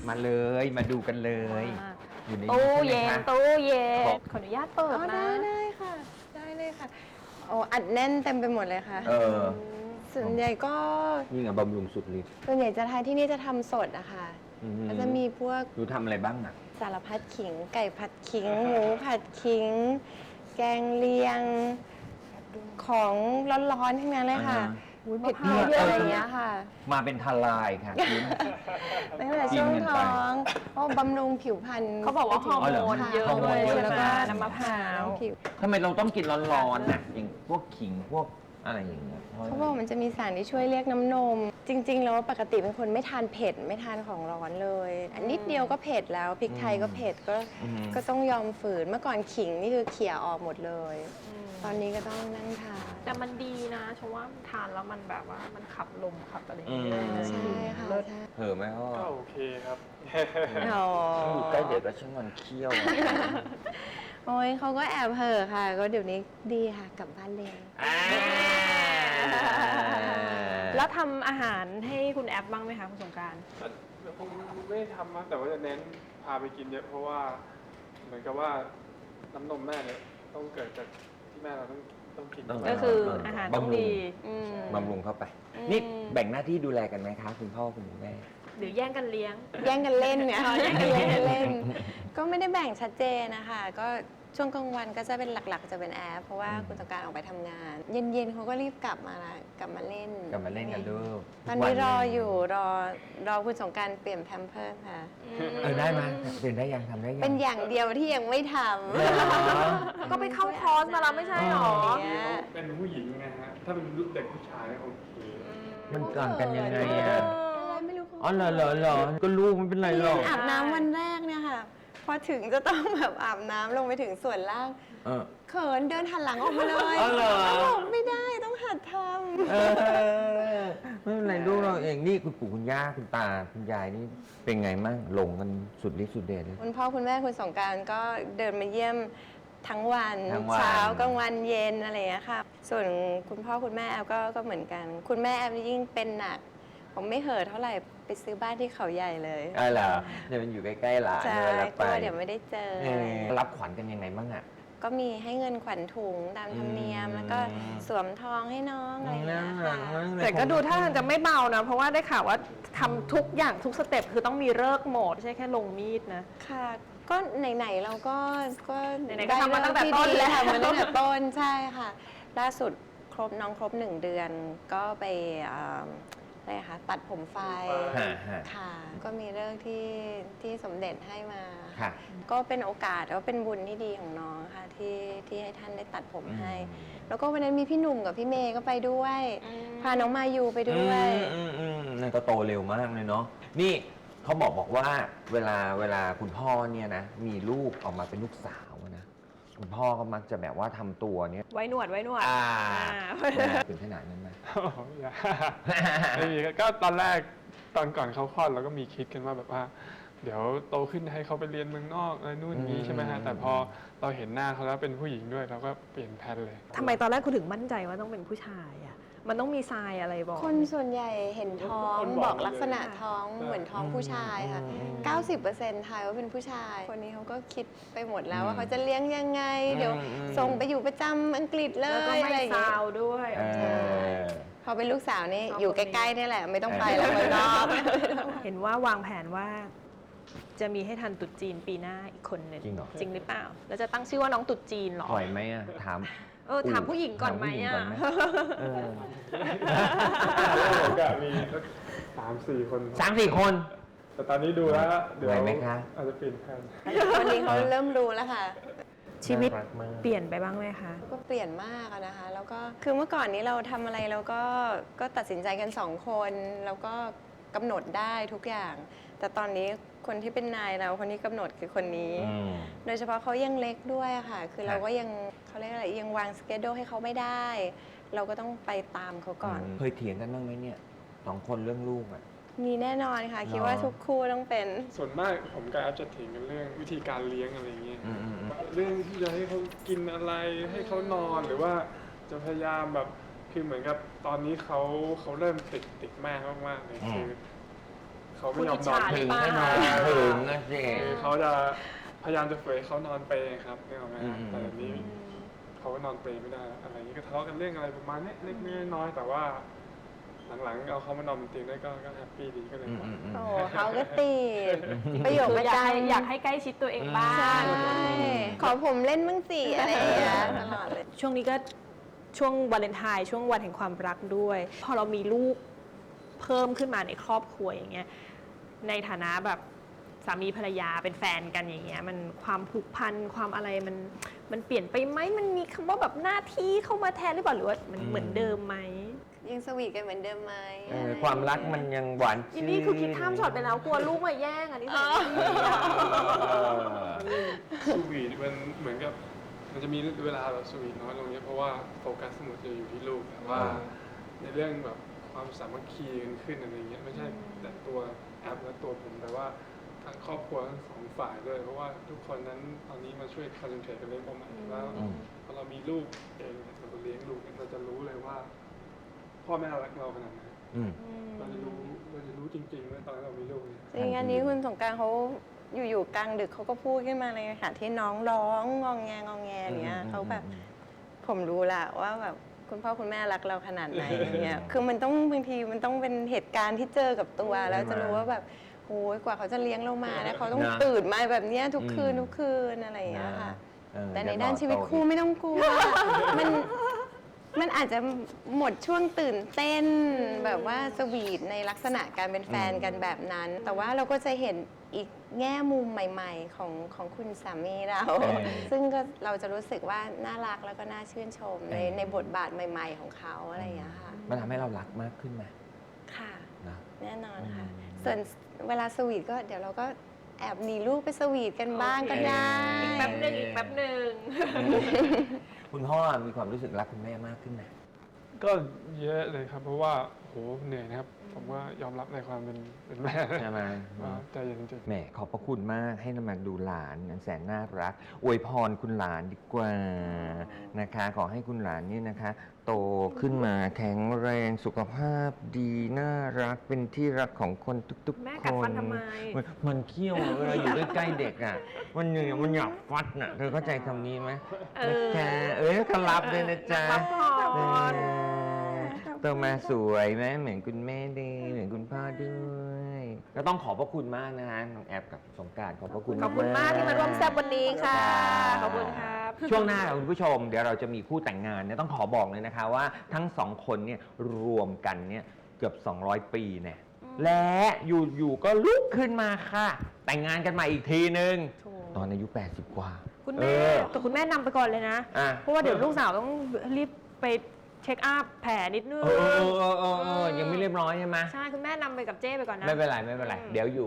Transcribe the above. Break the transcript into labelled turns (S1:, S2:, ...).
S1: มาเลยมาดูกันเลย อยู่ในนี้
S2: ตู้
S1: ใช่ไหม
S2: เย็น
S1: คะ
S2: ตู้เย็น
S1: ขอ
S2: ขออนุญาตเปิดนะ
S3: ได้ค่ะ ได้เลยค่ะโอ้อัดแน่นเต็มไปหมดเลยค่ะ
S1: เออ
S3: ส่วนใหญ่ก็
S1: นี่ไงบำรุงสุดฤทธิ์
S3: ส่วนใหญ่จะทานที่นี่จะทำสดอะค่ะ
S1: อืม
S3: ก็จะมีพวก
S1: ดูทำอะไรบ้างอ่ะ
S3: สารพัดขิง ไก่ผัดขิง หมูผัดขิง แกงเลียง ของร้อนๆทั้งนั้นเลยค่ะ
S2: อุ๊ย
S3: เผ็ด
S2: มะพร้าวเยอะ
S3: ๆอะไรอย่างเงี้ยค่ะ
S1: มาเป็นทลายค่ะคุณ
S3: ตั้งแต่ช่วงท้องเพราะบำรุงผิวพรรณ
S2: เขาบอกว่าฮอร์โมนเยอะ
S1: ฮอร์โม
S2: ด้วน ย
S1: เยอะ
S2: ใช่ไหม
S1: แล้วก็
S2: น้ำมะพร้าว
S3: ผิว
S1: ทำไมเราต้องกินร้อนๆน่ะอย่างพวกขิงพวกอะไรอย่างเงี้ย
S3: เขาบอกมันจะมีสารที่ช่วยเรียกน้ำนม จริง ๆ แล้วปกติเป็นคนไม่ทานเผ็ดไม่ทานของร้อนเลยอันนิดเดียวก็เผ็ดแล้วพริกไทยก็เผ็ดก็ต้องยอมฝืนเมื่อก่อนขิงนี่คือเขี่ยออกหมดเลย ตอนนี้ก็ต้องนั่งทาน
S2: แต่มันดีนะชมว่าทานแล้วมันแบบว่ามันขับลมขับอะไรอย่างเงี้ย
S3: ใช่ค่ะ
S2: เลิศ
S3: ใช่
S1: เผลอไหมพ่อ
S4: ก็โอเคครับ
S3: อ๋อ
S1: อยู่ใกล้เด็กก็ช่างมันเคี้ยว
S3: โอ้ยเขาก็แอบเห่อะค่ะ ก็เดี๋ยวนี้ดีค่ะกลับบ้านเร็ว
S2: แล้วทำอาหารให้คุณแอปบ้างไหมคะคุณสงกรานต์
S4: ผมไม่ได้ทำนะแต่ว่าจะเน้นพาไปกินเยอะเพราะว่าเหมือนกับว่าน้ำนมแม่เนี่ยต้องเกิดจากที่แม่เราต้องกิน
S2: ก็คืออาหารต้องดี
S1: บำรุงเข้าไป นี่แบ่งหน้าที่ดูแลกันไหมคะคุณพ่อคุณแม่
S2: หรือแย่งกันเลี้ยง
S3: แย่งกันเล่นเนี่ย
S2: แย่งกันเล่น
S3: เล่น ก็ไม่ได้แบ่งชัดเจนนะคะก็ช่วงกลางวันก็จะเป็นหลักๆจะเป็นแอปเพราะว่าคุณสงกรานต์ออกไปทำงาน เย็นๆเขาก็รีบกลับมาละกลับมาเล่น
S1: กลับมาเล่นกันลูก
S3: ตอนนี้รออยู่รอคุณสงกรานต์เปลี่ยนแพมเพิร์สค่ะ
S1: ได้ไหมเปลี่ยนได้ยังทำได้ยัง
S3: เป็นอย่างเดียวที่ยังไม่ท
S1: เหรอ
S2: ก็ไปเข้าคอร์สมาแล้วไม่ใช่หรอ
S3: ำ
S4: เป็นผู้หญิงไงฮะถ้าเป็นเด็กผู้ชายเนี่ยโอเค
S1: มันต่างกันยังไงอ่ะ
S3: ไม่รู้เขา
S1: อ๋อเหรอก็ลูกไม่เป็นไรหรอก
S3: อาบน้ำวันแรกเนี่ยค่ะ พอถึงจะต้องแบบอาบน้ำลงไปถึงส่วนล่าง
S1: เออ
S3: เขินเดินหันหลังออกมาเลย
S1: อ๋อเหรอ
S3: บอกไม่ได้ต้องหัดทำ
S1: เออไม่เป็นไรลูกเราเองนี่คุณปู่คุณย่าคุณตาคุณยายนี่เป็นไงมั่งหลงกันสุดฤทธิ์สุดเดชเลย
S3: คุณพ่อคุณแม่คุณสงกรานต์ก็เดินมาเยี่ยมทั้งวัน
S1: ทั้งวัน
S3: เช้ากลางวันเย็นอะไรอย่างเงี้ยค่ะ ส่วนคุณพ่อคุณแม่แอฟก็เหมือนกัน คุณแม่แอฟยิ่งเป็นหนัก ผมไม่เห่อะเท่าไหร่ไปซื้อบ้านที่เขาใหญ่เลย
S1: อ๋อเหรอเดี๋ยวมันอยู่ใกล้ๆหลาน
S3: ใช่
S1: เลยแล้ว
S3: ก
S1: ไป
S3: ลัวเดี๋ยวไม่ได้เจอ
S1: เออรับขวัญกันยังไงบ้างอ่ะ
S3: ก็มีให้เงินขวัญถุงตามธรรมเนียม แล้วก็สวมทองให้น้องอะไรอย่างเงี้ยค่ะ
S2: แต่ก็ดูท่าทางจะไม่เบานะ เพราะว่าได้ข่าวว่าทำทุกอย่างทุกสเต็ปคือต้องมีเลิกษ์โหมดไม่ใช่แค่ลงมีดนะ
S3: ค่ะ ก็ไหนๆเราก็
S2: ไหนๆก็ทำมาตั้งแต่ต้น
S3: ได้
S2: แล้ว
S3: ทำมาตั้งแต่ต้นใช่ค่ะ ล่าสุดน้องครบ1 เดือน ก็ไปอะไรคะตัดผมไฟ
S1: ฮะ
S3: ค่ะ ก็มีเรื่องที่สมเด็จให้มา
S1: ค่ะ
S3: ก็เป็นโอกาสแล้วเป็นบุญที่ดีของน้องค่ะที่ให้ท่านได้ตัดผมให้ แล้วก็วันนั้นมีพี่หนุ่มกับพี่เมย์ก็ไปด้วย พาน้องมายูไปด้วย
S1: นั่นก็โตเร็วมากเลยเนาะนี่เขาบอกว่าเวลาคุณพ่อเนี่ยนะมีลูกออกมาเป็นลูกสาวนะคุณพ่อก็มักจะแบบว่าทำตัวเนี่ย
S2: ไว้หนวด
S1: ถึงขนาดนั้นไหม
S4: โอ้โหอย่าไม่มีครับก็ตอนแรกตอนก่อนเขาคลอดเราก็มีคิดกันว่าแบบว่า เดี๋ยวโตขึ้นให้เขาไปเรียนเมืองนอกอะไรนู่นนี้ใช่ไหมฮะแต่พอเราเห็นหน้าเขาแล้วเป็นผู้หญิงด้วยเราก็เปลี่ยนแผนเลย
S2: ทำไมตอนแรกคุณถึงมั่นใจว่าต้องเป็นผู้ชายอ่ะ มันต้องมีทรายอะไรบอก
S3: คนส่วนใหญ่เห็นท้อง
S4: คน
S3: บบ อ
S4: อก ก
S3: ลักษณะ
S4: เลย
S3: ท้องเหมือนท้องผู้ชายค่ะ 90%ทายว่าเป็นผู้ชาย คนนี้เขาก็คิดไปหมดแล้วว่าเขาจะเลี้ยงยังไง เดี๋ยวส่งไปอยู่ประจำอังกฤษเล
S2: แล้วก็
S3: ย
S2: ไม่
S3: อะไรอย่าง
S2: ซา
S3: เงี้ยว
S2: ด้วย
S3: พอเป็นลูกสาวนี่
S2: เอา
S3: อยู่
S2: คน
S3: ใก
S2: นี้
S3: ล้ๆนี่แหละ ไม่ต้องไปแล้วเมืองนอก
S2: เห็นว่าวางแผนว่า จะมีให้ทันตรุษจีนปีหน้าอีกคนหนึ่ง
S1: จริงเหรอ
S2: จริงหรือเปล่า แล้วจะตั้งชื่อว่าน้องตรุษจีนเหรอ
S1: ปล่อยไหมอ่ะถาม
S2: ถามผู้หญิงก่อนไหม
S1: ถาผู้ญิง
S2: อ่ะ
S1: ก่นเออ
S4: ผมก็มีสัก3-4 คน
S1: 3-4 คน
S4: แต่ตอนนี้ดูแล้วเดี๋ยว
S1: ไหวไหมคะ
S4: อาจจะเปลี่ยนแผน
S3: วันนี้เขาเริ่มรู้แล้วค่ะ
S2: ชีวิต
S1: น่ารักมาก
S2: เปลี่ยนไปบ้างไหมคะ
S3: ก็เปลี่ยนมากอะนะคะ แล้วก็คือเมื่อก่อนนี้เราทำอะไรเราก็ตัดสินใจกัน2 คนแล้วก็กำหนดได้ทุกอย่าง แต่ตอนนี้คนที่เป็นนายเราคนที่กำหนดคือคนนี้ โดยเฉพาะเขายังเล็กด้วยอะค่ะ คือเราก็ยังเขาเรียกอะไรยังวางสเกจโดให้เขาไม่ได้ เราก็ต้องไปตามเขาก่อน
S1: เคยเถียงกันบ้างไหมเนี่ย2 คนเรื่องลูกอ่ะ
S3: มีแน่นอนค่ะ คิดว่าทุกคู่ต้องเป็น
S4: ส่วนมากผมกับแอฟจะเถียงกันเรื่องวิธีการเลี้ยงอะไรเงี้ย
S1: อืม
S4: เรื่องที่จะให้เขากินอะไรให้เขานอนหรือว่าจะพยายามแบบคือเหมือนกับตอนนี้เขาเริ่มติดแม่มากๆเลยคือเขาไม่ยอมนอน
S2: คุณอิ
S1: ถึ
S2: จ
S1: ง
S2: ฉา
S1: ให้นอนถึงนะสิ
S4: เขาจะพยายามจะฝืนให้เขานอนเปรย์ครับนึกออกไหมฮะ
S1: อืม
S4: แต่แบบนี้เขาก็นอนเปรย์ไม่ได้อะไรอย่างนี้ก็ทะเลาะกันเรื่องอะไรประมาณนี้เล็กๆน้อยๆแต่ว่าหลังๆเอาเขามานอนบนเตียงได้ก็แฮปปี้ดีก็เลย
S3: โอ้เขาก็ติดประโยค
S2: คือ
S3: ประ
S2: อยาก
S3: จ
S2: ให้อยากให้ใกล้ชิดตัวเองบ้าง
S3: ำใช่ขอผมเล่นบ้างสิอะไรอย่างเงี้ยตลอดเลย
S2: ช่วงนี้ก็ช่วงวาเลนไทน์ช่วงวันแห่งความรักด้วย พอเรามีลูกเพิ่มขึ้นมาในครอบครัวอย่างเงี้ยในฐานะแบบสามีภรรยาเป็นแฟนกันอย่างเงี้ยมันความผูกพันความอะไรมันเปลี่ยนไปไหมมันมีคำว่าแบบหน้าที่เข้ามาแทนหรือเปล่าหรือว่ามันเหมือนเดิมไหม
S3: ยังสวีทกันเหมือนเดิมไหม
S1: ความรักมันยังหวาน
S2: อินนี่คือคิดข้ามช็อตไปแล้วกลัวลูกมาแย่งอันนี้
S4: สวีทมันเหมือนกับมันจะมีเวลาแบบสวีทน้อยลงเยอะเพราะว่าโฟกัสทั้งหมดจะอยู่ที่ลูกแต่ว่าในเรื่องแบบความสามัคคีกันขึ้นอะไรเงี้ยไม่ใช่แต่ตัวแอปและตัวผมแต่ว่าทั้งครอบครัวทั้งสองฝ่ายด้วยเพราะว่าทุกคนนั้นตอนนี้มาช่วยคอนเซนเทรตกันเรื่องเป้าหมายแล้วพอเรามีลูกเองเนี่ยเราเลี้ยงลูกเนี่ยเราจะรู้เลยว่า พ่อแม่รักเราขนาดไหน
S1: อืม
S4: เราจะรู้จริงๆว่าตอนเรามีลูกเนี่ย
S3: จริงอันนี้คุณสงกรานต์เขาอยู่ๆกลางดึกเขาก็พูดขึ้นมาเลยค่ะที่น้องร้องงองแงอย่างเงี้ยเขาแบบผมรู้ละว่าแบบคุณพ่อคุณแม่รักเราขนาดไหนอย่างเงี้ยคือมันต้องบางทีมันต้องเป็นเหตุการณ์ที่เจอกับตัวแล้วจะรู้ว่าแบบโอ้ยกว่าเขาจะเลี้ยงเรามานะเขาต้องตื่นมาแบบเนี้ยทุกคืนอะไรอย่างเงี้ยค่ะ แต่ในด้านชีวิตคู่ไม่ต้องกลัว มันอาจจะหมดช่วงตื่นเต้นแบบว่าสวีทในลักษณะการเป็นแฟนกันแบบนั้น แต่ว่าเราก็จะเห็นอีกแง่มุมใหม่ๆของคุณสามีเรา ซึ่งก็เราจะรู้สึกว่าน่ารักแล้วก็น่าชื่นชมในบทบาทใหม่ ๆ ของเขาอะไรอย่างเงี้ยค่ะ
S1: มันทำให้เรารักมากขึ้นไหม
S3: ค่ะ
S1: นะ
S3: แน่นอนค่ะ ส่วนเวลาสวีทก็เดี๋ยวเราก็แอบหนีลูกไปสวีทกันบ้างก็ได้
S2: อีกแป๊บหนึ่ง
S1: คุณพ่อมีความรู้สึกรักคุณแม่มากขึ้นไหม
S4: ก็เยอะเลยครับ เพราะว่าโหเหนื่อยนะครับ ผมว่ายอมรับในความเป็นแม่
S1: ใช่ไหม
S4: ว่าใจเย็นจริง
S1: แหมขอบพระคุณมากให้นำมาดูหลานอันแสนน่ารักอวยพรคุณหลานดีกว่านะคะ ขอให้คุณหลานนี่นะคะ โตขึ้นมาแข็งแรงสุขภาพดีน่ารักเป็นที่รักของคนทุกๆคน
S2: แม่กัดฟันทำไม
S1: มันเคี้ยวเวลาอยู่ใกล้ๆเด็กอ่ะมันเหนื่อยมันอยากฟัดน่ะเธอเข้าใจคำนี้ไหม
S2: เออ
S1: นะจ๊ะก็รับเลยนะจ๊ะ
S2: รับพร
S1: โตมาสวยไหมเหมือนคุณแม่ดีเหมือนคุณพ่อด้วยก็ต้องขอบพระคุณมากนะฮะน้องแอบกับสงกรานต์ขอบพระคุณ
S2: ขอบคุณมากที่มาร่วมแซ่บวันนี้ค่ะ
S1: ครับ
S2: ขอบคุณครับ
S1: ช่วงหน้าค่ะคุณผู้ชมเดี๋ยวเราจะมีคู่แต่งงานเนี่ยต้องขอบอกเลยนะคะว่าทั้งสองคนเนี่ยรวมกันเนี่ยเกือบ 200 ปีเนี่ยและอยู่ๆก็ลุกขึ้นมาค่ะ แต่งงานกันใหม่อีกทีนึง
S2: โถ
S1: ตอนอายุ 80 กว่า
S2: คุณแม่แต่คุณแม่นำไปก่อนเลยนะ
S1: อ่ะ
S2: เพราะว่าเดี๋ยวลูกสาวต้องรีบไปเช็คอัพแผลนิดนึง
S1: เออยังไม่เรียบร้อยใช่ไหม
S2: ใช่ คุณแม่นำไปกับเจ้ไปก่อนนะ
S1: ไม่เป็นไรเดี๋ยวอยู่